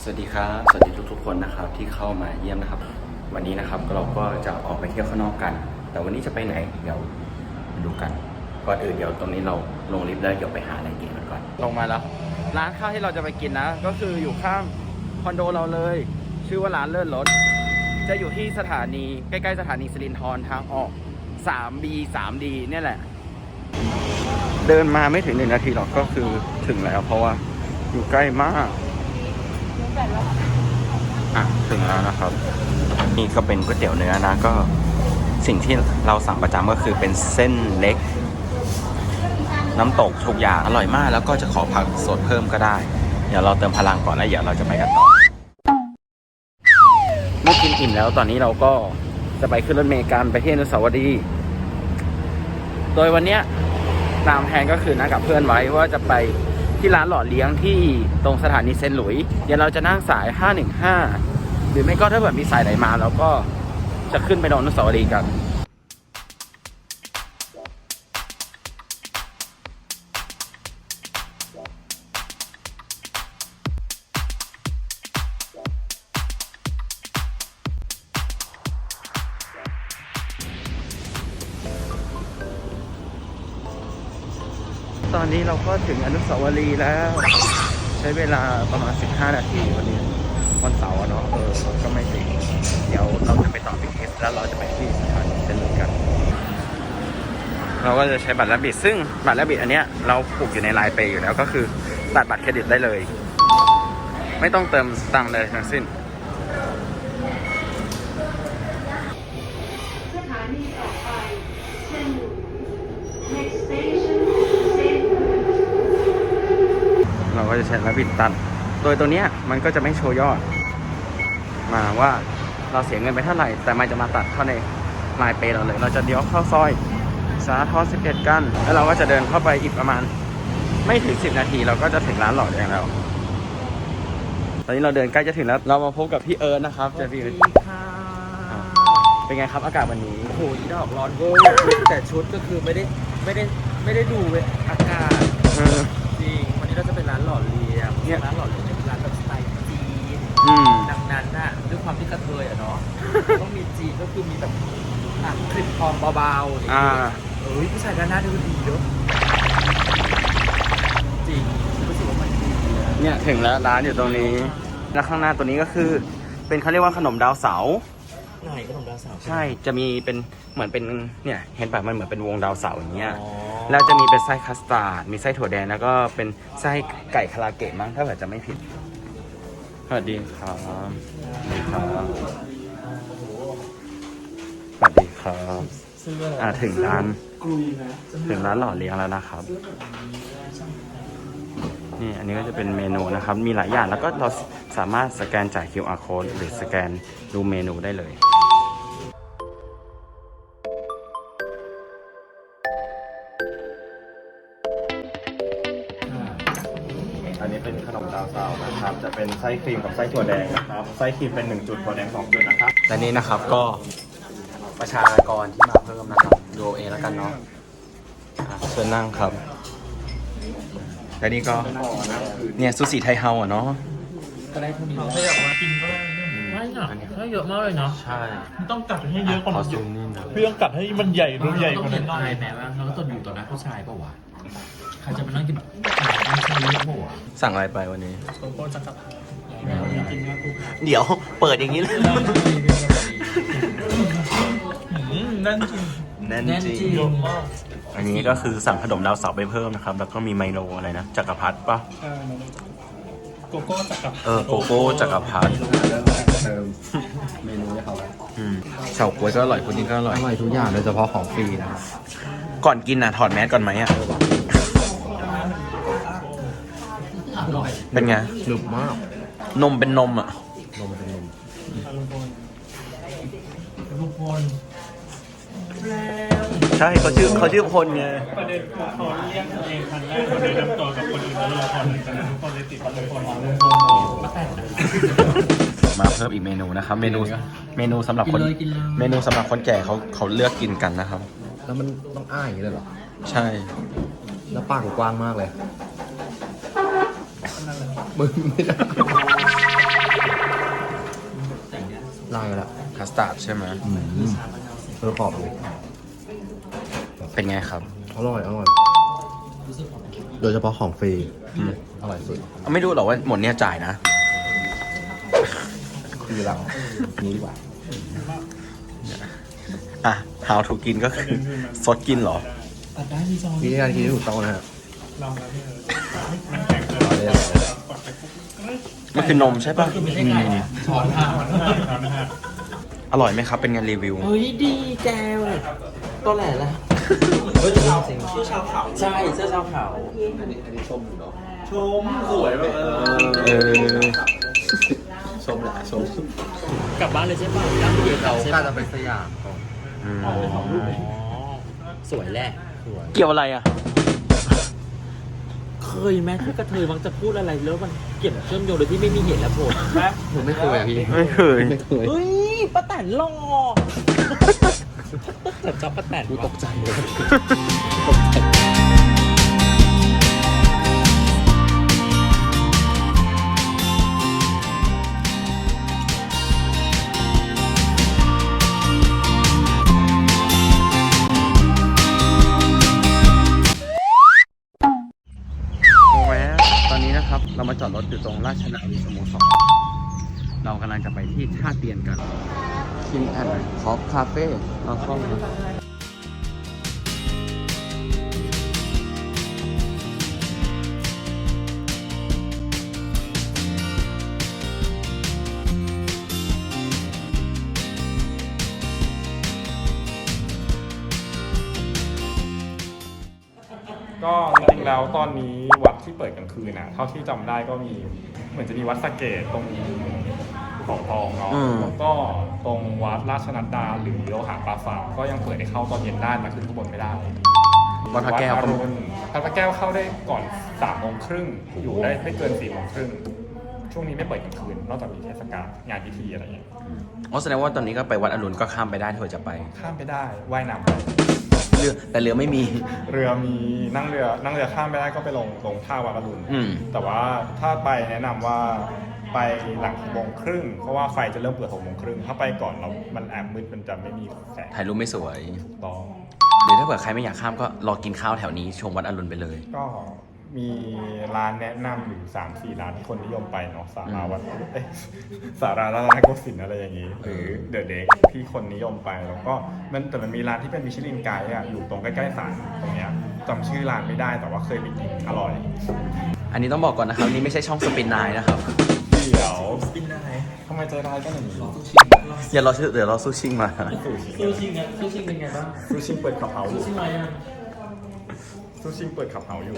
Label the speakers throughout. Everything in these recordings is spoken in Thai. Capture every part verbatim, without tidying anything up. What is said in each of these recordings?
Speaker 1: สวัสดีครับสวัสดีทุกๆคนนะครับที่เข้ามาเยี่ยมนะครับวันนี้นะครับเราก็จะออกไปเที่ยวข้างนอกกันแต่วันนี้จะไปไหนเดี๋ยวดูกันก่อนอื่นเดี๋ยวตรงนี้เราลงลิฟต์แล้วเดี๋ยวไปหาอะไรกินกันก่อนลงมาแล้วร้านข้าวที่เราจะไปกินนะก็คืออยู่ข้างคอนโดเราเลยชื่อว่าร้านเลิศรสจะอยู่ที่สถานีใกล้ๆสถานีสิรินธรทางออก ทรี บี ทรี ดี เนี่ยแหละเดินมาไม่ถึงหนึ่งนาทีหรอกก็คือถึงแล้วเพราะว่าอยู่ใกล้มากอ่ะถึงแล้วนะครับนี่ก็เป็นก๋วยเตี๋ยวเนื้อนะก็สิ่งที่เราสั่งประจำก็คือเป็นเส้นเล็กน้ำตกทุกอย่างอร่อยมากแล้วก็จะขอผักสดเพิ่มก็ได้เดี๋ยวเราเติมพลังก่อนแล้วเดี๋ยวเราจะไปกันต่อเมื่อกินอิ่มแล้วตอนนี้เราก็จะไปขึ้นรถเมล์กันไปที่อนุสาวรีย์โดยวันเนี้ยตามแผนก็คือนัดกับเพื่อนไว้ว่าจะไปที่ร้านหล่อเลี้ยงที่ตรงสถานีเซนต์หลุยส์เดี๋ยวเราจะนั่งสายห้าหนึ่งห้าหรือไม่ก็ถ้าเกิดมีสายไหนมาเราก็จะขึ้นไปนอนอนุสาวรีย์กันตอนนี้เราก็ถึงอนุสาวรีย์แล้วใช้เวลาประมาณสิบห้านาทีวันนี้วันเสาร์เนาะเออก็ไม่ติดเดี๋ยวเราจะไปต่อบี ที เอสแล้วเราจะไปที่สถานีเซนต์หลุยส์กันเราก็จะใช้บัตรแลบบิทซึ่งบัตรแลบบิทอันเนี้ยเราผูกอยู่ในไลน์เปย์อยู่แล้วก็คือตัดบัตรเครดิตได้เลยไม่ต้องเติมตังค์เลยทั้งสิ้นสถานีต่อไปเซนต์หลุยส์ next station เราก็จะใช้แลบบิทตัดโดยตัวเนี้ยมันก็จะไม่โชว์ยอดมาว่าเราเสียเงินไปเท่าไหร่แต่มันจะมาตัดเข้าในไลน์เปย์เราเลยเราจะเลี้ยวเข้าซอยสาทรสิบเอ็ดกันแล้วเราก็จะเดินเข้าไปอีกประมาณไม่ถึงสิบนาทีเราก็จะถึงร้านหล่อเลี้ยงแล้วตอนนี้เราเดินใกล้จะถึงแล้วเรามาพบกับพี่เอิร์ธนะครับเจอพี่เอิร์ธเป็นไงครับอากาศวันนี้
Speaker 2: โอ้โหดอกร้อนเวอร์แต่ชุดก็คือไม่ได้ไม่ได้ไม่ได้ดูอากาศจริงวันนี้เราจะเป็นร้านหล่อเลี้ยงเนี่ยร้านหล่อเลี้ยงเป็นร้านแบบสไตล์จีนดังนั้นน่ะด้วยความที่กระเทยอ่ะเนาะต้องมีจีนก็คือมีแบบคลิปทองเบาๆอย่างเงี้ยเอ้ยผู้ชายด้านหน้าดูดีเยอะจริงรู้สึกว่ามันดี
Speaker 1: เนี่ยถึงแล้วร้านอยู่ตรงนี้แล้วข้างหน้าตัวนี้ก็คือเป็นเขาเรียกว่าขนมดาวเสา
Speaker 2: ไหนขนมดาวเสา
Speaker 1: ใช่จะมีเป็นเหมือนเป็นเนี่ยเห็นป่ะมันเหมือนเป็นวงดาวเสาอย่างเงี้ยแล้วจะมีเป็นไส้คัสตาร์ดมีไส้ถั่วแดงแล้วก็เป็นไส้ไก่คาราเกะมั้งถ้าเกิดจะไม่ผิดสวัสดีครับสวัสดีครับสวัสดีครับอ่าถึงร้านถึงร้านหล่อเลี้ยงแล้วนะครับนี่อันนี้ก็จะเป็นเมนูนะครับมีหลายอย่างแล้วก็เราสามารถสแกนจ่าย คิว อาร์ code หรือสแกนดูเมนูได้เลยอันนี้เป็นขนมดาวเสานะครับจะเป็นไส้ครีมกับไส้ถั่วแดงนะครับไส้ครีมเป็นหนึ่งจุดถั่วแดงสองจุดนะครับและนี่นะครับก็ประชากรที่มาเพิ่มนะครับดูเองแล้วกันเนาะเชิญนั่งครับและนี่ก็เนี่ยซูชิไทยเฮาอ่ะเนาะ
Speaker 2: ก็ได้เท่านี้ถ้าอยากมากินก็ได้ไม่หนักถ้าเยอะมากเลยเนาะ
Speaker 1: ใช่
Speaker 3: ต้องกัดให้เยอะกว่านั้นพี่ต้องกัดให้มันใหญ่ดูใหญ่กว่านั้นหน่อย
Speaker 2: แม้ว่าเราก็ต้องอยู่ต่อหน้าผู้ชายเปล่าวะใครจะมานั่งกินแบบไม่ใช่เยอะเปล่าวะ
Speaker 1: สั่งอะไรไปวันนี้
Speaker 3: โกโก้จักรพรรดิกินมากกู
Speaker 1: เดี๋ยวเปิดอย่างนี้เลย
Speaker 3: นั่นจริง
Speaker 1: นั่นจริงอันนี้ก็คือสั่งขนมดาวเสาไปเพิ่มนะครับแล้วก็มีไมโลอะไรนะจักรพรรดิป่ะ
Speaker 3: โกโก้จักรพรรดิ
Speaker 1: เออโกโก้จักรพรรดิ
Speaker 2: เติมเมนูให้เขา
Speaker 1: อืมเฉาก๊วยก็อร่อยพุดดิ้งก็อร่อย
Speaker 2: อร่อยทุกอย่างโดยเฉพาะของฟรีนะครับ
Speaker 1: ก่อนกินนะถอดแมสก่อนไหมอ่ะเป็นไง
Speaker 2: หนึบมาก
Speaker 1: นมเป็นนมอ่ะ
Speaker 2: นมเป็นนม
Speaker 3: ลุงพล
Speaker 1: ใช่เขาชื่อเขาชื่อพลไง
Speaker 3: ประเด็นคือเขาเรียกตัวเองครั้งแรกเขาได้นำตัวกับคนอื่นแล้วละครเลยจากนั้นทุกคนเลยติดลุงพลลุงพลมาแต่ง
Speaker 1: มาเพิ่มอีกเมนูนะครับเมนูเมนูสำหรับคนเมนูสำหรับคนแก่เขาเขาเลือกกินกันนะครับ
Speaker 2: แล้วมันต้องอ้าอย่างนี้เลยเหรอ
Speaker 1: ใช่
Speaker 2: แล้วปากกว้างมากเลยมึงไม่ได้
Speaker 4: ได้แล้ว
Speaker 1: คัสตาร์ดใช่ไหม
Speaker 4: อืมเออขอบเลย
Speaker 1: เป็นไงครับ
Speaker 4: อร่อยอร่อย โดยเฉพาะของฟรีอร่อยสุด
Speaker 1: ไม่รู้หรอกว่าหมดเนี่ยจ่ายนะ
Speaker 4: คือเรานี้ดีกว่า
Speaker 1: อ่ะ how to กินก็คือซดกินเหรอ
Speaker 3: ตัดได้มีซอง
Speaker 4: วิธีการกินที่ถูกต้องนะฮะ
Speaker 3: ลองแล้วพี่เออมันแข็งเกิน
Speaker 4: เอาเลยเอาเลย
Speaker 1: มันคือนมใช่ป่ะ
Speaker 2: ไม่ใช่ไก่นะช้อนค่ะ
Speaker 1: อร่อยไหมครับ เป็นไงรีวิว
Speaker 2: เฮ้ยดีแจวเลยตัวแหล่ละเฮ้ยชาวเสื้อชาวเขาใช่เสื้อชาวเขาชมสวยแบบเออ
Speaker 1: เออ
Speaker 4: ชมแหละชม
Speaker 2: กลับบ้านเลยใช่ป่ะร้านเดียว
Speaker 4: เรา
Speaker 2: ใช่
Speaker 4: กล้า
Speaker 2: ป่ะ
Speaker 4: จะไปสยามก่อน
Speaker 1: อืม
Speaker 2: อ๋อสวยแหละสวย
Speaker 1: เกี่ยวอะไรอ่ะ
Speaker 2: เคยไหมที่กระเทยมักจะพูดอะไรแล้วมันเกี่ยวเชื่อมโยงโดยที่ไม่มีเหตุและผลไหม
Speaker 4: ผมไม่เคยอ่ะพี่
Speaker 1: ไม่เคย
Speaker 4: ไม่เคย
Speaker 2: เฮ้ยป้าแตนหล่อแต่จับป้าแตน
Speaker 4: กูตกใจเลย
Speaker 1: แวะตอนนี้นะครับ เรามาจอดรถอยู่ตรงราชนาวีสโมสรเรากำลังจะไปที่ท่าเตียนกันคิงแอนด์คอฟคาเฟ่เราเข้ามา
Speaker 3: ก็จริงๆแล้วตอนนี้วัดที่เปิดกลางคืนน่ะเท่าที่จำได้ก็มีเหมือนจะมีวัดสะเกตตรงเขาทองเนาะ
Speaker 1: อืม
Speaker 3: แล้วก็ตรงวัดราชนัดดาหรือโลหะปราสาทก็ยังเปิดให้เข้าตอนเย็นได้นะขึ้นข้างบนไม่ได้
Speaker 1: วัดพระแก้ว
Speaker 3: วัด
Speaker 1: ก็
Speaker 3: อรุณวัดพระแก้วเข้าได้ก่อนสามโมงครึ่งอยู่ได้ไม่เกินสี่โมงครึ่งช่วงนี้ไม่เปิดกลางคืนนอกจากมีเทศกาลงานพิธีอะไรอย่างเงี้ย
Speaker 1: อ๋อแสดงว่าตอนนี้ก็ไปวัดอรุณก็ข้ามไปได้ถ้าเกิดจะไป
Speaker 3: ข้ามไปได้ว่ายน้ำไป
Speaker 1: เรือแต่เรือไม่มี
Speaker 3: เรือมีนั่งเรือนั่งเรือข้ามไปได้ก็ไปลงลงท่าวัดอรุณ
Speaker 1: อืม
Speaker 3: แต่ว่าถ้าไปแนะนำว่าไปหลังหกโมงครึ่งเพราะว่าไฟจะเริ่มเปิดหกโมงครึ่งถ้าไปก่อนเรามันแอบมืดมันจะไม่มีแสง
Speaker 1: ถ่ายรูปไม่สวย
Speaker 3: ต่อ
Speaker 1: หรือถ้าเผื่อใครไม่อยากข้ามก็รอกินข้าวแถวนี้ชมวัดอรุณไปเลย
Speaker 3: ก็มีร้านแนะนำอยู่สามสี่ร้านที่คนนิยมไปเนาะสาราวัดเอ้ยสารารัตนโกสินทร์อะไรอย่างนี้ หรือเดอะเด็กที่คนนิยมไปแล้วก็มันแต่มันมีร้านที่เป็นมิชลินไกด์อ่ะอยู่ตรงใกล้ๆศาลตรงเนี้ยจำชื่อร้านไม่ได้แต่ว่าเคยไปกินอร่อย
Speaker 1: อันนี้ต้องบอกก่อนนะครับนี่ไม่ใช่ช่องสปินนายนะครับ
Speaker 3: เดี๋ยวกินได้ทำไมใจร้ายกันอย่างนี้
Speaker 1: อย่ารอชื่อเดี๋ยวรอซูชิงมา
Speaker 2: ซูชิงอ่ะซูชิงเป็นไงบ้าง
Speaker 3: ซูชิงเปิดขับเฮาอยู่
Speaker 2: ซูชิงมายัง
Speaker 3: ซูชิงเปิดขับเฮาอยู่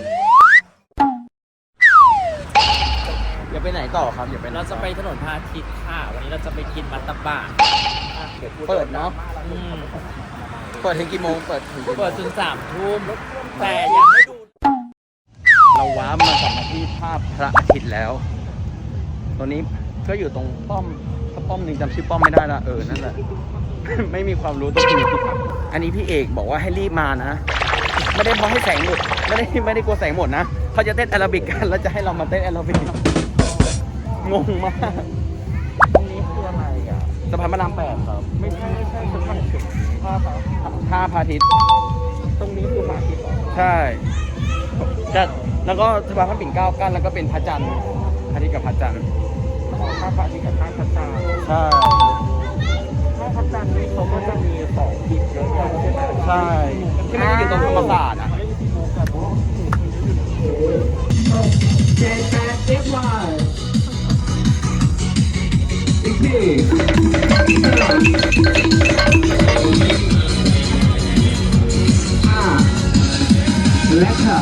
Speaker 1: อย่าไปไหนต่อครับอย่าไปไหน
Speaker 2: เราจะไปถนนพระอาทิตย์ค่ะ วันนี้เราจะไปกินมัตตบะ
Speaker 1: เปิดเนาะ
Speaker 2: อืม
Speaker 1: เปิดถึงกี่โมงเปิดถึงกี่โมง
Speaker 2: เปิดจนสามทุ่มแต่อยากให้ดู
Speaker 1: เราว้าร์ปมากลับมาที่ภาพพระอาทิตย์แล้วตอนนี้ก็อยู่ตรงป้อมถ้าป้อมหนึ่งจำชื่อป้อมไม่ได้ละเออนั่นแหละ ไม่มีความรู้ตัวนี้อันนี้พี่เอกบอกว่าให้รีบมานะ ไม่ได้เพราะให้แสงหมดไม่ได้ไม่ได้กลัวแสงหมดนะเขาจะเต้นแอโรบิกกันแล้วจะให้เรามาเต้นแอโรบิกงงมากตรงนี้คืออะไรอ่ะสะพานพระรามแปดครับไม่ใช่ไม่ใช่สะพานท่าท่าพระอาทิตย์ตรงนี้คือพระอาทิตย์ใช่จะแล้วก็สะพานพระปิ่นเกล้ากั้นแล้วก็เป็นพระจันทร์พระอาทิตย์กับพระจันทร์ท่าพระอาทิตย์กับท่าพระจันทร์ใช่ท่าพระจันทร์นี่เขาก็จะมีสองทิศเยอะแยะใช่ไหมใช่ที่มันอยู่ตรงธรรมศาสตร์อ่ะ
Speaker 5: เจ็ดแปดเอฟวายอีกทีอ่าและค่ะ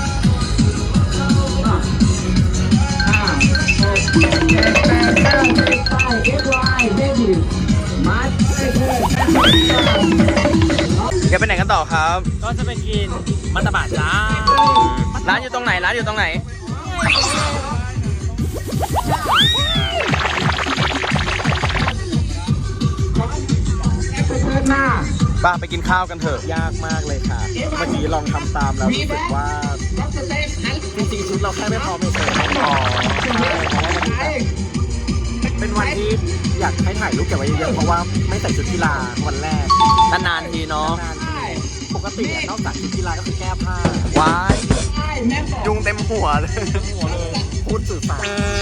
Speaker 5: อ่าอ่าหกเจ็ดแปดเก้าสิบไปเอฟวายเบบี้มาเซ็ตเลย
Speaker 1: จะไปไหนกันต่อครับ
Speaker 2: ก็จะไปกินมัตตบะจ้า
Speaker 1: ร้านอยู่ตรงไหน ร้านอยู่ตรงไหน ป้าไปกินข้าวกันเถอะ
Speaker 2: ยากมากเลยค่ะ เมื่อกี้ลองทำตามแล้วรู้สึกว่าจริงๆชุดเราแค่ไม่พอไม่เสร็จ
Speaker 1: อ๋อ
Speaker 2: ใช่เพราะว่ามันแบบไปเป็นวันที่อยากให้ถ่ายรูปเก็บไว้เยอะๆเพราะว่าไม่ใส่ชุดกีฬาวันแรก
Speaker 1: นานๆทีเนาะ
Speaker 2: นานทีปกติอะนอกจากชุดกีฬาก็คือแก้ผ้า
Speaker 1: ว้ายยุงเต็มหัวเลย
Speaker 2: หัวเลยพูดสื่อสาร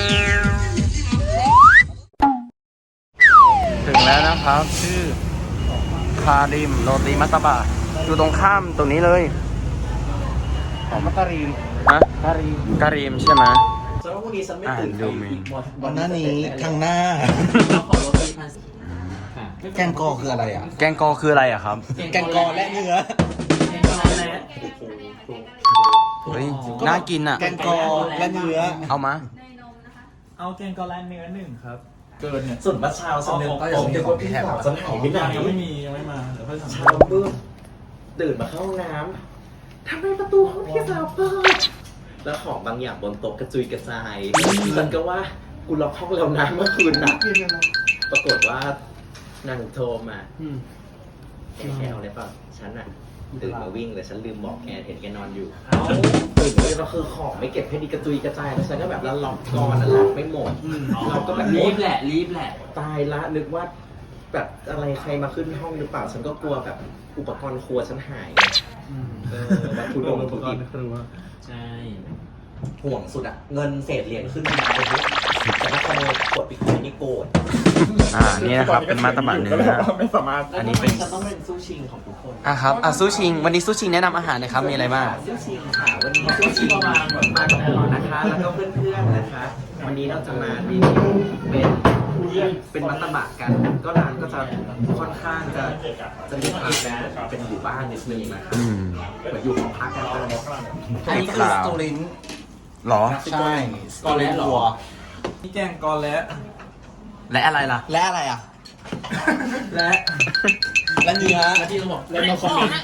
Speaker 1: ถึงแล้วนะครับ ชื่อคาริมโรตีมัตตบะอยู่ตรงข้ามตรงนี้เลยของมัตตารีมฮะการีมการีมใช่ไหม
Speaker 2: สำหรับวันนี้ฉันไม่
Speaker 1: อ่า
Speaker 2: ตื่น
Speaker 1: ดูเมนู
Speaker 4: วันหน้านี้ข้างหน้า
Speaker 2: ขอโรตีพันค่ะ
Speaker 4: แกงกอคืออะไรอ่ะ
Speaker 1: แกงกอคืออะไรอะครับ
Speaker 4: แกงกอและเนื้อ
Speaker 2: แกงกอและ
Speaker 1: เฮ้ยน่ากินอะ
Speaker 4: แกงกอและเนื้อ
Speaker 1: เอามา
Speaker 2: เอาแกงกอและเนื้อหนึ่งครับ เกินเนี่ย
Speaker 6: ส่วนบัชชาวสนึก
Speaker 4: ก็ยังมีของพี่แถบ
Speaker 6: สนหายไปไหน
Speaker 2: ยังไม่มียังไม่มาเดี๋ยวค่อยสั่ง
Speaker 6: เช้ามืดตื่นมาเข้าห้องน้ำทำไมประตูห้องพี่สาวเปิดแล้วของบางอย่างบนโต๊ะกระจุยกระจายฉันก็ว่ากูล็อกห้องแล้วนะเมื่อคืนน่ะปรากฏว่านางโทรมาแกแค่เอาอะไรเปล่าฉันน่ะตื่นมาวิ่งแต่ฉันลืมบอกแกเห็นแกนอนอยู่ตื่นมาก็คือของไม่เก็บให้ดีกระจุยกระจายแล้วฉันก็แบบแล้วล็อกกอนน่ะล็อกไม่หมดเราก็แบบ
Speaker 2: รีบแหละรีบแหละ
Speaker 6: ตายละนึกว่าแบบอะไรใครมาขึ้นห้องหรือเปล่า ฉันก็กลัวแบบอุปกรณ์ครัวฉันหายเออวัตถุดงวัตถุดิบ
Speaker 2: ใช่
Speaker 6: ห่วงสุดอะเงินเศษเหรียญขึ้นมาเลยแต่ถ้าขโมยขวดปิดไว้นี่โกรธ
Speaker 1: อ่า นี่นะครับ เป็นมัตตบะเนื้อ
Speaker 3: ไม่สามารถ
Speaker 1: อันนี้เป็น
Speaker 6: ฉันต้องเป็นซูชิงของทุกคน
Speaker 1: อ่ะครับอ่ะซูชิง วันนี้ซูชิงแนะนำอาหารหนะครับ มีอะไรบ้าง
Speaker 6: ซูชิงค่ะวันนี้ซูชิงมามากับหมอนะคะ แล้วก็เพื่อนๆนะคะ วันนี้เราจะมารีวิวเป็นเป็นมัตตบะกัน ก็ร้านก็จะค่อนข้างจะจะมีความเป็นหมู่บ้านนิดนึงนะคะ
Speaker 1: อืม
Speaker 6: เหมือนอยู่ของพักกันเลย
Speaker 4: อันนี้คือสตูลิน
Speaker 1: หรอ
Speaker 4: ใช่สตูลินวัว
Speaker 2: นี่แกงกอและ
Speaker 1: และอะไรล่ะ
Speaker 4: และอะไรอ่ะ
Speaker 2: และ
Speaker 4: และเนื้อ
Speaker 2: ที่เราบอกและมาคอมเมนต์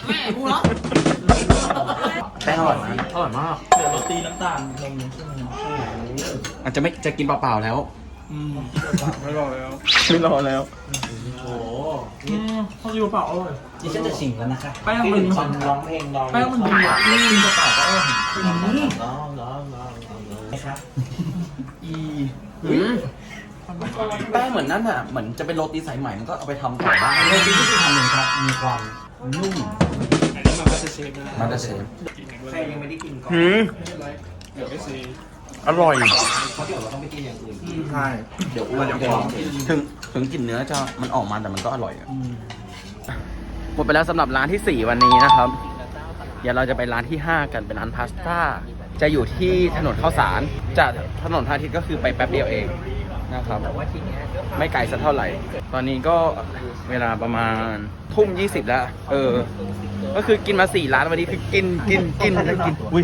Speaker 1: แป้งอร่อยไหม
Speaker 2: อร่อยมากเดี๋ยวโรตีน้ำตาลนมใช่ไหม
Speaker 1: อาจจะไม่จะกินเปล่าๆแล้ว
Speaker 2: อืม
Speaker 3: ไม่รอแล้ว
Speaker 1: ไม่รอแล้ว
Speaker 2: โอ้อืมเขาอยู่เปล่าอร่อย
Speaker 6: ดิฉันจะชิงแล้วนะคะ
Speaker 2: แป้งมัน
Speaker 6: ตอนร้องเพลงร้อง
Speaker 2: แป้งมันดีอ่ะนี่กระเป๋าก็อร่อย
Speaker 6: ร้องร้องร้องร้องร้องนะครับ
Speaker 2: อี
Speaker 1: อืมแป้งเหมือนนั่นอ่ะ เหมือนจะเป็นโรตีสายใหม่มันก็เอาไปทำต่อได้
Speaker 4: โรตีที่ทำหนึ่งครับ มีความนุ่ม
Speaker 3: อันนี้มันก็จะเชฟนะ
Speaker 1: มันจะเชฟ
Speaker 6: ใครยังไม่ได้กินก่อน
Speaker 1: หืม
Speaker 3: เดี๋ยวไม่ซี
Speaker 1: อร่อย
Speaker 6: เพราะเดี๋ยวเราต้องไปกินอย่างอื่น
Speaker 3: ใช่
Speaker 6: เดี๋ยวอ้วนเดี๋ยวท้องเสีย
Speaker 1: ถึงถึงกลิ่นเนื้อจะมันออกมาแต่มันก็อร่อยอะหมดไปแล้วสำหรับร้านที่สี่วันนี้นะครับ เดี๋ยวเราจะไปร้านที่ห้ากันเป็นร้านพาสต้า จะอยู่ที่ถนนข้าวสาร จากถนนพระอาทิตย์ก็คือไปแป๊บเดียวเองนะครับ ไม่ไกลสักเท่าไหร่ ตอนนี้ก็เวลาประมาณทุ่มยี่สิบแล้ว เออ ก็คือกินมาสี่ร้านวันนี้คือกินกินกินแล้วกิน อุ้ย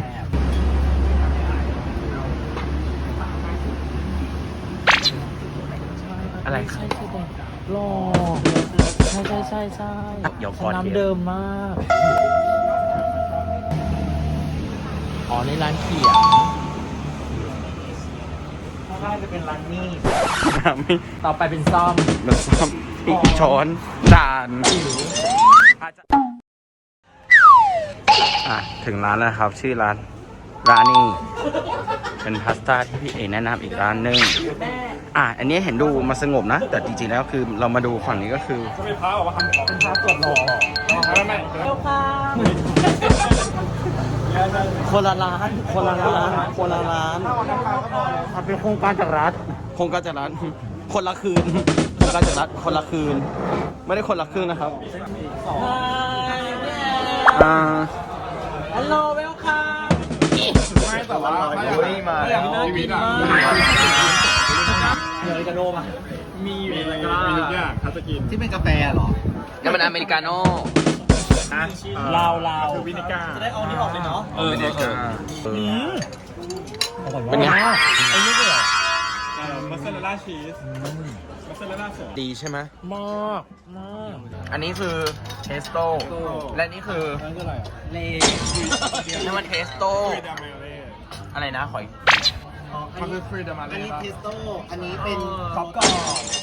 Speaker 1: อะไรครับ
Speaker 2: หล่อใช่ใช่ใช่ใช่
Speaker 1: เดี๋ยวก่อน
Speaker 2: น้ำเดิมมากอ๋อในร้านเขียวถ้าได้จะเป็นร้านมีด
Speaker 1: ไม่
Speaker 2: ต่อไปเป็นซ่อม
Speaker 1: มันซ้อมอีกช้อนจานอาจจะอ่ะถึงร้านแล้วนะครับ ชื่อร้านร้านนี้เป็นพาสต้าที่พี่เอแนะนำอีกร้านหนึงอ่ะอันนี้เห็นดูมาสงบนะ แต่จริงๆแล้วคือเรามาดูฝั่งนี้ก็คือ
Speaker 3: ก็มีพระออกมาทำของ
Speaker 2: เป็นพาตรวจหล่อ
Speaker 3: ไม่ไม่
Speaker 1: คนละร้านคนละร้านคนละร้านมันเป็นโครงการจากรัฐโครงการจากรัฐคนละคืนโครงการจากรัฐคนละคืน ไม่ได้คนละครึ่งนะครับอ่า
Speaker 2: ฮัลโหลเวลคัม
Speaker 3: ไม่แต่ว่า
Speaker 1: เฮ้ยมาแล้ว
Speaker 3: ชีวิตอ่ะ
Speaker 2: เนยกระโดมอ่ะ
Speaker 3: มีมีมีทุกอย่างถ้าจะกิน
Speaker 4: ที่เป็นกาแฟเหรอ
Speaker 1: นี่มันอเมริกาโน่
Speaker 2: ลาวลาว
Speaker 3: คือวินิก้า
Speaker 2: จะได้เอานี่ออกเลยเนาะ
Speaker 1: เอออเมริกาเออ
Speaker 2: เป็
Speaker 1: เป็น
Speaker 2: น
Speaker 1: ไง
Speaker 2: ไงไอ้นี่เลยเหรอ
Speaker 3: เอ่อมัสซาเรลล่าชีสมัสซาเรลล่าสด
Speaker 1: ดีใช่ไหม
Speaker 2: มากมาก
Speaker 1: อันนี้คือเทสโต้และนี่คือ
Speaker 3: นั่นคืออะไรอ่ะ
Speaker 2: เล
Speaker 1: นี่มันเทสโต้
Speaker 3: ฟรีดามาเล่
Speaker 1: อะไรนะขอย
Speaker 3: มันคือฟรีดามา
Speaker 4: อัน
Speaker 3: เล่
Speaker 4: นี้
Speaker 3: ป่ะ
Speaker 4: เทสโต้ อันนี้เป็น
Speaker 2: ท็อปกรอบ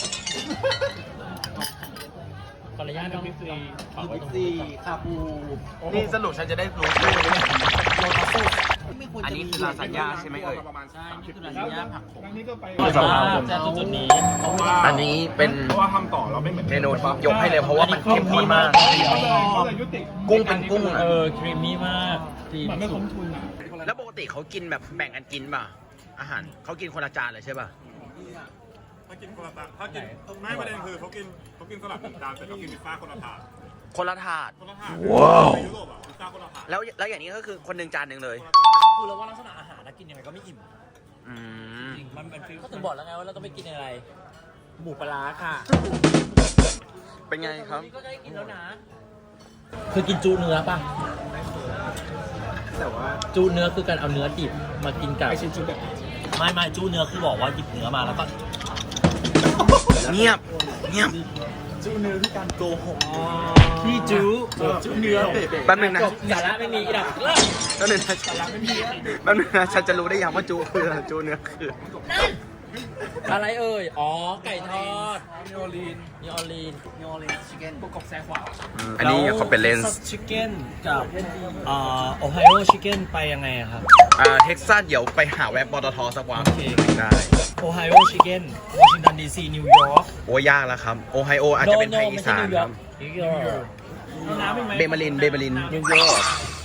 Speaker 2: ขออนุญาตต้องฟรีฝากไว้
Speaker 4: บิ๊ก
Speaker 2: ตรง
Speaker 4: ซี
Speaker 2: นี้
Speaker 4: คาปู
Speaker 1: นี่สรุปฉันจะได้รู้ชื่อไหมเนี่ย
Speaker 4: ไม่ควร
Speaker 1: อัน
Speaker 4: จะ
Speaker 1: นี้
Speaker 4: มี
Speaker 1: คือลาซานญ่าใช่ไหมเอ่ย
Speaker 2: ใช่นี่คือลาซานญ่าผักขม
Speaker 3: นี่ก็ไป
Speaker 2: อร่อยมากแต่จุดนี้เพราะว่า
Speaker 1: อันนี้เป็น
Speaker 3: เพราะว่าทำต่อเราไม่เหมือน
Speaker 1: เมนูที่ยกให้เลยเพราะว่ามันเข้มข้นมาก
Speaker 3: เขาเลยยุติ
Speaker 1: กุ้งเป็นกุ้ง
Speaker 2: เออครีมมี่มากครีม
Speaker 3: เหมือนไม่คุ้มทุนอ่ะ
Speaker 1: แล้วปกติเขากินแบบแบ่งกันกินป่ะ อาหารเขากินคนละจานเลยใช่ป่ะ
Speaker 7: ถ้ากินคนละถาดถ้ากินไม่ประเด็นคือเขากินเขากินสลัดจานแต่เขากินพิซซ่าคนละถาด
Speaker 1: คนละถาด
Speaker 7: คนละถาดว้าวในยุโรปอ่ะพิซซ่าคนละถาด
Speaker 1: แล้วแล้วอย่างนี้ก็คือคนหนึ่งจานหนึ่งเลย
Speaker 2: คือเราว่าลักษณะอาหารนะกินยังไงก็ไม่อิ่ม
Speaker 1: อืม
Speaker 2: จริงมันเป็นฟิลก็ถึงบอกแล้วไงว่าเราต้องไปกินอะไร หมูปลาร้าค่ะ
Speaker 1: เป็นไงครับ
Speaker 2: นี่ก็ได้กินแล้วนะคือกินจูเนื้อป่ะ
Speaker 6: แต่ว่า
Speaker 2: จูเนื้อคือการเอาเนื้อดิบมากินกับไม่ไม่จูเนื้อคือบอกว่าหยิบเนื้อมาแล้วก็
Speaker 1: เงียบ เงียบ
Speaker 2: จูเนื้อคือการโกหกพี่จูจูเนื้อ
Speaker 1: แป๊บนึงนะ
Speaker 2: จบสาระไม่มีอีกแล้ว
Speaker 1: แป๊บนึงนะแป๊บนึงนะฉันจะรู้ได้ยังว่าจูคืออะไรจูเนื้อคือ
Speaker 2: อะไรเอ่ย อ๋อ ไก่ทอดนิโอลีนนิโอลีนนิโอลีนชิคเก้นประกบแซ่ขวา
Speaker 1: อันนี้เขาเป็นเลนส์
Speaker 2: ชิคเก้นกับอ่าโอไฮโอชิคเก้นไปยังไงครับ
Speaker 1: อ่าเท็กซัสเดี๋ยวไปหาแวะปตทสักวัน
Speaker 2: โอเค
Speaker 1: ได้
Speaker 2: โอไฮโอชิคเก้นวอชิงตันดีซีนิวยอร์ก
Speaker 1: โอ้ยากแล้วครับ โอไฮโออาจจะเป็นไทยอีสานครับ
Speaker 2: นิวยอร์กน้ำอีกไหม
Speaker 1: เบมาริน เบมาริน นิวยอร์ก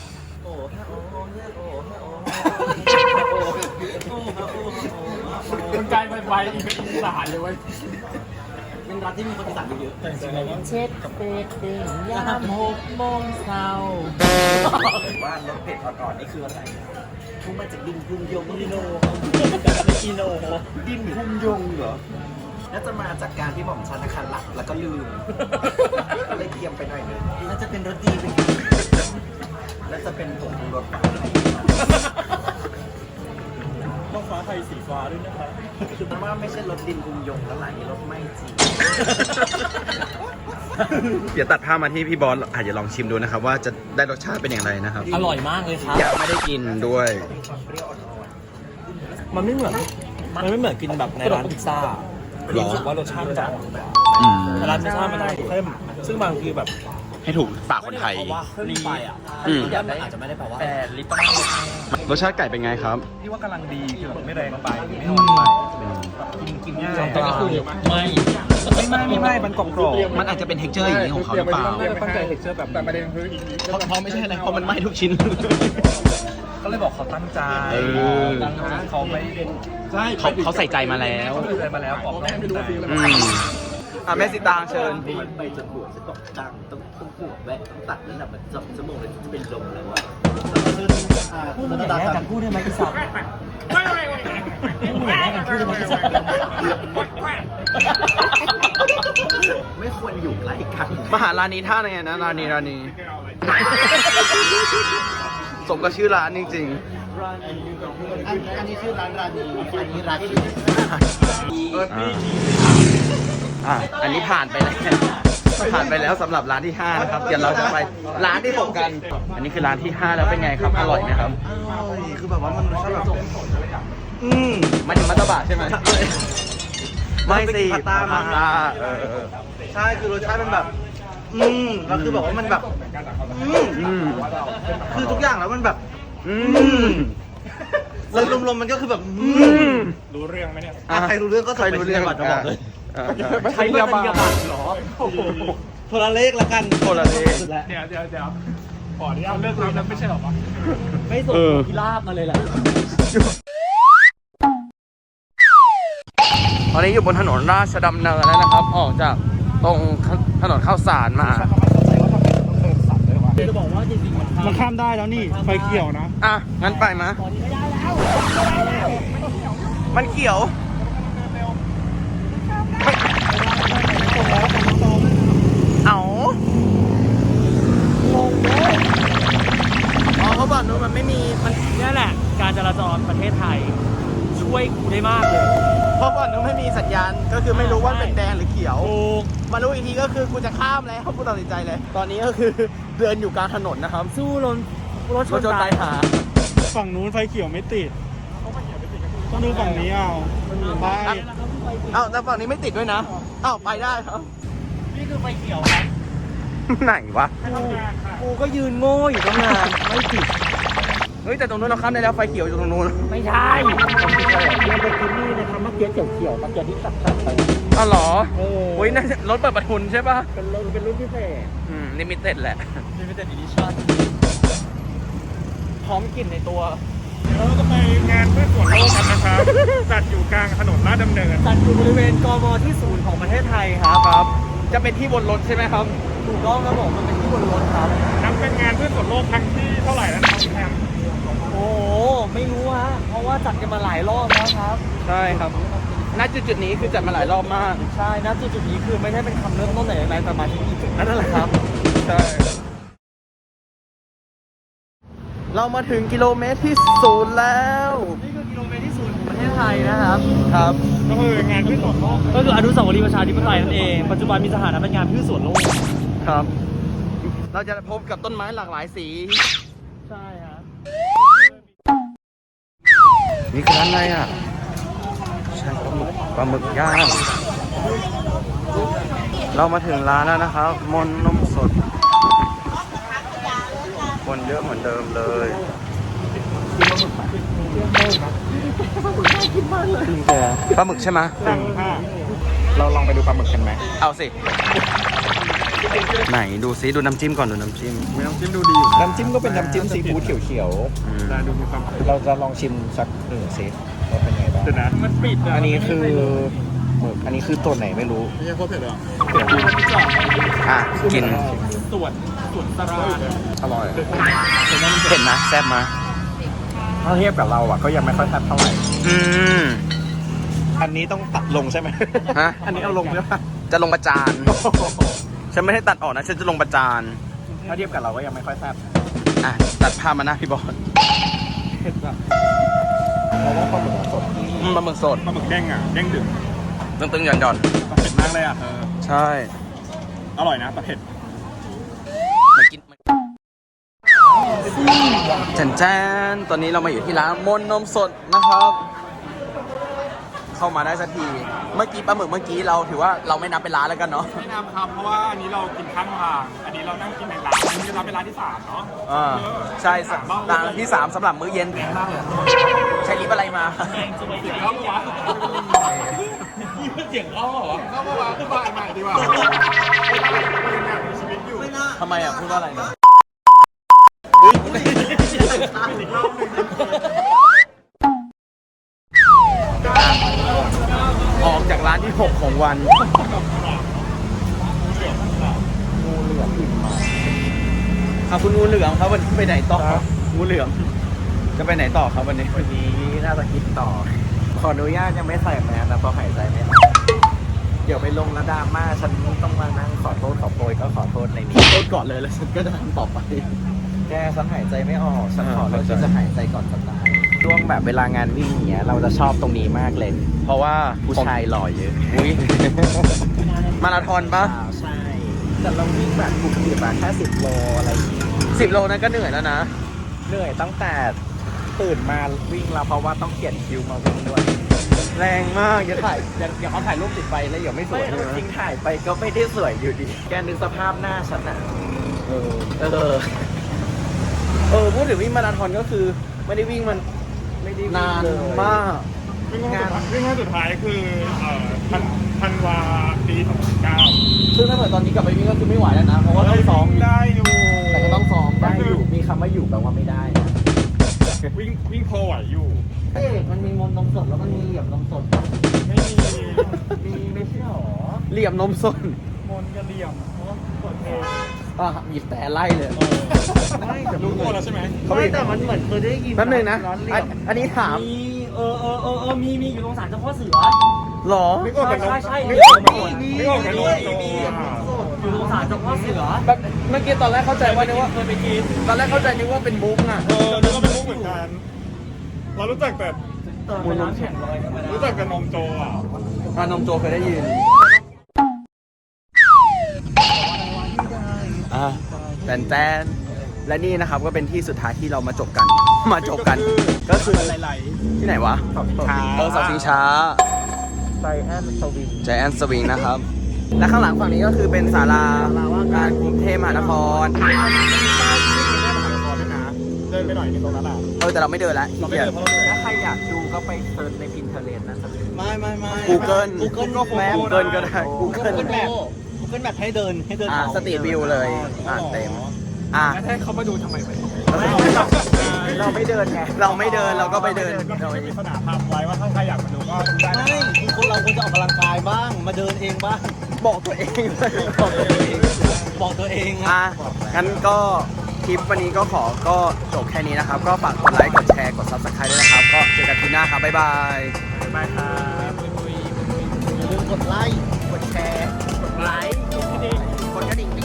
Speaker 2: มันกลายไปไปอีกเป็นอีสานเลยเว้ยเป็นรัฐที่มีคนอีสานเยอะแต่จริงๆแล้วเช็ดเป็ดเด้งยามหกโมงเช้า
Speaker 6: ว่ารสเผ็ดอ่อนๆนี่คืออะไรทุกมาจากดินพุงยง
Speaker 2: กิโลไม่กิโล
Speaker 6: ดินพุงยงเหรอน่าจะมาจากการที่หม่อมชันอาคารหลับแล้วก็ลืมก็เลยเตรียมไปหน่อยนึงน่าจะเป็นรสดีไปน่าจะเป็นผงปรุงรสฟ้าไทย
Speaker 2: ต้องฟ้าไทยสีฟ้าด้วยนะครับ
Speaker 6: คือว่าไม่ใช่รสดินพุงยงแล้วหลายรสไม่จริง
Speaker 1: เดี๋ยวตัดภาพมาที่พี่บอสอาจจะลองชิมดูนะครับ ว่าจะได้รสชาติเป็นอย่างไรนะครับ
Speaker 2: อร่อยมากเลยครับ
Speaker 1: ยังไม่ได้กินด้วย
Speaker 2: มันไม่เหมือน มันไม่เหมือนกินแบบในร้านพิซซ่า
Speaker 1: หรอ
Speaker 2: รู้สึกว่ารสชาติมันจะอ่อนกว่า
Speaker 1: อืม
Speaker 2: แต่ร้านพิซซ่ามันจะเข้ม ซึ่งบางทีแบบ
Speaker 1: ให้ถูกปากคนไทย
Speaker 2: ม่ด้หมายความว่าเข้มไปอ่ะ
Speaker 1: อืม
Speaker 2: ยันอาจจะไม่ได้แปลว่าแต่ลิปต้อง
Speaker 1: รสชาติไก่เป็นไงครับ
Speaker 3: พี่ว่ากำลังดีคือแบบไม่แรงไปไม่อ่อนไปกินกินง่าย
Speaker 2: แต่ก็คือไม่
Speaker 3: ไม่ไม่ไม่ไม่มันกรอบกรอบ
Speaker 1: มันอาจจะเป็นเท็กเจอร์อย่างนี้ของเขาหรือเปล่า
Speaker 3: ตั้งใจเท็กเจอร์แบบแต่ประเด็นคืออีก
Speaker 1: เพราะเพราะไม่ใช่อะไรเพราะมันไหม้ทุกชิ้น
Speaker 3: ก็เลยบอกเขาตั้งใจ
Speaker 1: เออ
Speaker 3: เขาไม่ใช่
Speaker 1: เขาเขาใส่ใจมาแล้ว
Speaker 3: เขาใส่มาแล้วบอกแม่ไม่รู้
Speaker 1: อืมอ่ะแม่สิตางเชิญ
Speaker 6: มันไปจนหัวจะตกดังต้องต้องปวดแวะต้องตัดแล้วนะมันสองชั่วโมงเลยจะเป็นลมแล้วอ่ะ
Speaker 2: พูดอย่างนี้กันพูดได้ไหมอีสัตว์ไม่ไม่ไม่พูดอย่างนี้กันพูดได้ไหมอีสัตว์
Speaker 6: ไม่ควรอยู่ใกล้กัน
Speaker 1: มหาร้านนี้ท่าไงนะร้านนี้ร้านนี้ สมกับชื่อร้านจริง
Speaker 6: อันอันนี้ชื่อร้านร้านนี้อันนี้ร้านนี้
Speaker 1: ๆอ่ะอันนี้ผ่านไปแล้วผ่านไปแล้วสำหรับร้านที่ห้านะครับ เดี๋ยวเราจะไปร้านที่หกกัน อันนี้คือร้านที่ห้าแล้วเป็นไงครับ อร่อยไหมครับ
Speaker 6: คือแบบว่ามันรสชาติแบบ
Speaker 1: อืมมันถึงมัตตบะใช่ไหมไม่สิ
Speaker 6: พาต้ามา
Speaker 1: พาต้าเออเออ
Speaker 6: ใช่คือรสชาติมันแบบ อืมแล้วคือแบบว่ามันแบบ อืม
Speaker 1: อืม
Speaker 6: คือทุกอย่างแล้วมันแบบ
Speaker 1: อืม
Speaker 6: แล้วรวมๆมันก็คือแบบ อื
Speaker 1: อื
Speaker 6: ม
Speaker 1: ม
Speaker 3: รู้เรื่องไหมเนี่ย
Speaker 6: อ่ะใครรู้เรื่องก็
Speaker 1: ใครรู้เรื่อง
Speaker 6: บัตรมาบอกเลย
Speaker 1: อ่ะอ่ะ
Speaker 3: ไม่ใช่เรียบัตร
Speaker 6: หรอโทรเลขละกัน
Speaker 1: โทรเลข
Speaker 6: สุดแล้ว
Speaker 3: เดี๋ยวเดี๋ยวเดี๋ยวขออนุญาตเลิกรับแล้วไม่ใช่หรอวะ
Speaker 2: ไม่ส่งพิราบมาเลยแหละ
Speaker 1: ตอนนี้อยู่บนถนนราชดำเนินแล้วนะครับ ออกจากตรงถนนข้าวสารมา
Speaker 2: จะบอกว่าจริงๆมัน
Speaker 3: มันข้ามได้แล้วนี่ไฟเขียวนะ
Speaker 1: อ่ะ งั้นไปมะมันเขียว เอางงเลยอ๋อเขาบอกนู้นมันไม่มี มัน
Speaker 2: นี่แหละ การจราจรประเทศไทย ช่วยกูได้มากเลย
Speaker 1: เพราะก่อนนู้นไม่มีสัญญาณ ก็คือไม่รู้ว่าเป็นแดงหรือเขียว
Speaker 2: ถูก
Speaker 1: มารู้อีกทีก็คือกูจะข้ามแล้วกูตัดสินใจเลย ตอนนี้ก็คือเดินอยู่กลางถนนนะครับ
Speaker 2: สู้รถรถช
Speaker 1: รถ
Speaker 2: น
Speaker 1: ชน
Speaker 2: ตา
Speaker 1: ตาย ยหา
Speaker 3: ฝั่งนู้นไฟเขียวไม่ติดต้องดูฝั่งนี้เอาไป
Speaker 1: เอ้าแต่ฝั่งนี้ไม่ติดด้วยนะเอ้าไปได้ครับ
Speaker 2: นี่คือไฟเขียวครับ
Speaker 1: ไหนวะ
Speaker 2: กูก็ยืนโง่อยู่ตั้งนานไม่ติด
Speaker 1: เฮ้ยแต่ตรงนู้นเราข้ามได้แล้วไฟเขียวอยู่ตรงนู้น
Speaker 2: ไม่ใช่เราไปกินนี่นะครับเมื่อกี้เขียวๆเมื่อกี้ที่ขับขับไป
Speaker 1: อ้าวเหรอ
Speaker 2: เออ
Speaker 1: โอ้ยน่าจะรถเปิดประทุนใช่ป่ะ
Speaker 2: เป็นรุ่นเป็นรุ่นพิเศษ
Speaker 1: อืมลิมิเต็ดแหละ
Speaker 2: limited edition พร้อมกลิ่นในตัว
Speaker 7: เราจะไปงานเพื่อส่วนโลกกันนะครับ จัดอยู่กลางถนนลาดดำเนิน
Speaker 2: จัดอยู่บริเวณกมที่ศูนย์ของประเทศไทยครับ
Speaker 1: ครับ จะเป็นที่บนรถใช่ไหมครับ
Speaker 2: ถูกต้องครับผมมันเป็นที่บนรถครับ
Speaker 7: นับเป็นงานเพื่อส่วนโลกครั้งที่เท่าไหร่แล้วนะครับพี่แฮม
Speaker 2: โอ้โหไม่รู้ฮะเพราะว่าจัดกันมาหลายรอบแล้วครับ
Speaker 1: ใช่ครับณจุดจุดๆนี้คือจัดมาหลายรอบมาก
Speaker 2: ใช่นะจุดจุดๆนี้คือไม่ใช่เป็นคำเริ่มต้นไหนอะไรแต่มาที่นี่จุดนั้นแหละครับ
Speaker 1: ใช่ เรามาถึงกิโลเมตรที่ศูนย์แล้ว
Speaker 2: นี่คือกิโลเมตรที่ศูนย์ของประเทศไทยนะครับ
Speaker 1: ครับ
Speaker 7: ก็คืองานเพื่อส่วนโลก
Speaker 2: ก็คืออนุสาวรีย์ประชาธิปไตยนั่นเอง ปัจจุบันมีสถานะเป็นงานพืชสวนโลก
Speaker 1: ครับ เราจะพบกับต้นไม้หลากหลายสี
Speaker 2: ใช่ฮะ
Speaker 1: นี่คือร้านอะไรอ่ะ ใช่ปลาหมึกปลาหมึกย่าง เรามาถึงร้านแล้วนะครับ มนนมสด คนเยอะเหมือนเดิมเลยปลาหมึกใช่ไหม
Speaker 3: เราลองไปดูปลาหมึกกันไหม
Speaker 1: เอาสิ ไหนดูซิดูน้ำจิ้มก่อนดูน้ำจิ้ม
Speaker 3: ไม่ต้องจิ้มดูดีอยู่นะ
Speaker 6: น้ำจิ้มก็เป็นน้ำจิ้มซีฟู้ดเขียว
Speaker 1: อืม
Speaker 3: ได้ดูมีความ
Speaker 6: ๆ เราจะลองชิมสักหนึ่งเซตว่าเป็นไงบ้าง
Speaker 3: เดี๋ยวนะมันปิดะ
Speaker 6: อันนี้คือหมึกอันนี้คือตัวไหนไม่รู้
Speaker 3: ไม่ใช่โคตรเผ็ดหรอ
Speaker 1: อ่ะ กิน
Speaker 2: ส่วนส่วนสรา
Speaker 6: อร่อย
Speaker 1: เผ็ดนะแซ่บมา
Speaker 3: ถ้าเทียบกับเราอ่ะก็ยังไม่ค่อยแซ่บเท่าไหร่
Speaker 1: อืม
Speaker 6: อันนี้ต้องตัดลงใช่ไหม
Speaker 1: ฮะ
Speaker 3: อันนี้เอาลงใช่ปะ
Speaker 1: จะลงประจาน ฉันไม่ได้ตัดออกนะ ฉันจะลงประจาน
Speaker 3: ถ้าเทียบกับเราก็ยังไม่ค่อยแซ่บ
Speaker 1: อ่ะ ตัดภาพมาหน้าพี่บอล
Speaker 6: เพราะว่าปลาหมึกสด
Speaker 1: อืมปลาหมึกสด
Speaker 3: ปลาหมึกเด้งอ่ะเด้งดึง
Speaker 1: ตึงๆหย่อนหย่อน
Speaker 3: เผ็ดมากเลยอ่ะเธอ
Speaker 1: ๆใช่
Speaker 3: อร่อยนะปลาเผ็ด
Speaker 1: มันกินแจนแจนตอนนี้เรามาอยู่ที่ร้านมนนมสดนะครับ เข้ามาได้สักที เมื่อกี้ปลาหมึกเมื่อกี้เราถือว่าเราไม่นับเป็นร้านแล้วกันเนาะ
Speaker 7: ไม่นำครับเพราะว่าอันนี้เรากินข้างทางอันนี้เรานั่งกินในร้านอันนี้จะเป็นร้านที่สามเนาะ
Speaker 1: อ่าใช่สร้านที่สามสำหรับมื้อเย็น ใช้ลิปอะไรมา
Speaker 7: เข้าปะวะ
Speaker 2: เสียงเข้าเหรอ
Speaker 7: เข้าปะวะขึ้นมาใหม่ดีกว่ามีชีวิตอยู่
Speaker 1: ทำไมอ่ะพูดว่าอะไรนะ ออกจากร้านที่หกของวันงูเหลือมอิ่มมาครับคุณงูเหลือมครับวันนี้ไปไหนต่องูเหลือมจะไปไหนต่อครับวันนี้
Speaker 6: วันนี้น่าจะคิดต่อ ขออนุญาตยังไม่ใส่แมสนะเพราะหายใจไม่ออกเดี๋ยวไปลงระดราม่าฉันต้องมานั่งขอโทษขอโพยก็ขอโทษในนี้
Speaker 1: โทษก่อนเลยแล้วฉันก็จะทำต่อไป
Speaker 6: แกฉันหายใจไม่ออกฉันขอ
Speaker 1: อ่า
Speaker 6: เลือกที่จะหายใจก่อนจะตายช่วงแบบเวลางานวิ่งอย่างเงี้ยเราจะชอบตรงนี้มากเลย
Speaker 1: เพราะว่า
Speaker 6: ผู้ชายหล่อเยอะ
Speaker 1: อุ้ยมาราธอนปะ
Speaker 6: อ่าใช่ แต่เราวิ่งแบบกลุ่มเดียวแค่สิบโลอะไรอย่างงี้
Speaker 1: สิบโลนั้นก็เหนื่อยแล้วนะ
Speaker 6: เหนื่อยตั้งแต่ตื่นมาวิ่งแล้วเพราะว่าต้องเขียนคิวมาวิ่งด้วย
Speaker 1: แรงมากอย่าถ่ายอย่าอย่าเขาถ่ายรูปติดไปแล้วเดี๋ยวไม่ส
Speaker 6: ไม่
Speaker 1: วย
Speaker 6: เอาจริงถ่ายไปก็ไม่ได้สวยอยู่ดี แกนึกสภาพหน้าฉันอะ
Speaker 1: เออ
Speaker 6: เออ
Speaker 1: เออพูดถึงวิ่งมาราธอนก็คือไม่ได้วิ่งมัน
Speaker 6: ไม่ได้
Speaker 1: นาน
Speaker 6: เลย
Speaker 1: มาก
Speaker 7: วิ่งงานวิ่งงานสุดท้ายคือเอ่อธันธันวาปีสองพันเก้า
Speaker 1: ซึ่งถ้าเกิดตอนนี้กลับไปวิ่งก็คือไม่ไหวแล้วนะ เพราะว่าต้องซ้อม
Speaker 7: ได้อยู่
Speaker 1: แต่ก็ต้องซ้อม
Speaker 6: ได้อยู่ มีคำว่าอยู่แปลว่าไม่ได้นะ
Speaker 7: วิ่งวิ่งโพไหวอยู่
Speaker 2: เอ๊ะมันมีมนต์นมสดแล้วมันมีเหลี่ยมนมสด
Speaker 7: ไม่มี
Speaker 2: มีไม่ใช่หรอ
Speaker 1: เหลี่ยมนมสด
Speaker 7: มนกระเหลี่ยมเพราะกดเพลง
Speaker 1: อ่ะมีแต่ไล่เลย
Speaker 2: ไม่แต่
Speaker 7: รู้ตัวแล้วใช่ไหม
Speaker 2: เขาไม่แต่มันเหมือนเคยได้ยิน
Speaker 1: แป๊บนึงนะ
Speaker 2: ร้อนเหลี่
Speaker 1: อั
Speaker 2: ย
Speaker 1: น
Speaker 2: ม
Speaker 1: อันนี้ถาม
Speaker 2: มีเออเออเออเออมีมีอยู่ตรงศาลเจ้าพ่อเสือ
Speaker 1: หรอ
Speaker 7: ไม่ออกจากนม
Speaker 2: ใช่ใช่
Speaker 7: ไม่ออกจากนม
Speaker 2: มี
Speaker 7: ไม่ออกจากนม
Speaker 2: มีมี อยู่ตรงศาลเจ้าพ่อเสือ
Speaker 1: แบบเมื่อกี้ตอนแรกเข้าใจว่านึกว่า
Speaker 2: เคยไปกิน
Speaker 1: ตอนแรกเข้าใจนึกว่าเป็นบุ๊กอ่ะ
Speaker 7: เออนึกว่าเป็นมุกเหมือนกัน เรารู้จักแต่
Speaker 2: เติมไปน้ำแข็งลอยธรรมดา
Speaker 7: รู้จักแต่นมโจอ่ะ
Speaker 1: อ่านมโจเคยได้ยินอ่าแตนแตนและนี่นะครับก็เป็นที่สุดท้ายที่เรามาจบกัน มาจบกัน ก็คือ
Speaker 7: ไหล
Speaker 1: ที่ไหนวะ เออเสาชิงช้า
Speaker 6: ไซแอนสวิง
Speaker 1: ใจแอนสวิงนะครับ และข้างหลังฝั่งนี้ก็คือเป็นศาลาว่าการกรุงเทพมหานคร
Speaker 7: ๆใต้ที่นี่ได้มหานครด้วยนะ
Speaker 3: เดินไปหน่อยนึงตรงนั้นอ่ะ
Speaker 1: เออแต่เราไม่เดินแล้ว
Speaker 3: เราไม่เดินเพราะเราเดิน
Speaker 2: ถ้าใครอยากดูก็ไปเซิร์ชใน Pinterest นะสัก
Speaker 4: ไม่ไม่ไม่
Speaker 1: Google
Speaker 4: Google ก็
Speaker 1: แม่ Google ก็ได้
Speaker 4: Google
Speaker 1: Google
Speaker 4: แบบ Google แบบให้เดินให้เดิน
Speaker 1: อ่า
Speaker 4: เอา
Speaker 1: สตรีทวิวเลยอ่าเต็มอ่า
Speaker 3: แล้วให้เขามาดูทำไมไหม
Speaker 2: เราไม่เดินไง
Speaker 1: เราไม่เดินเราก็ไปเดิน
Speaker 3: ก็
Speaker 1: เรา
Speaker 3: มีสนามทำไว้ว่าถ้าใครอยากมาดูก็ดูได้นะ
Speaker 4: ไม่คือคนเราควรจะออกกำลังกายบ้าง มาเดินเองบ้าง
Speaker 1: บอกตัวเองเลยบอกตัวเอง
Speaker 4: บอกตัวเอง
Speaker 1: อ่ะ
Speaker 4: อะ
Speaker 1: งั้นก็คลิปวันนี้ก็ขอก็จบแค่นี้นะครับ ก็ฝากกดไลค์ กดแชร์ กด Subscribe ด้วยนะครับ ก็เจอกันทีหน้าครับ บ๊ายบาย
Speaker 3: บ๊ายบายครับ
Speaker 4: อย่าลืมกดไลค์
Speaker 2: กดแชร์ กดไลค์ กดกระดิ่ง
Speaker 1: กดกระดิ่ง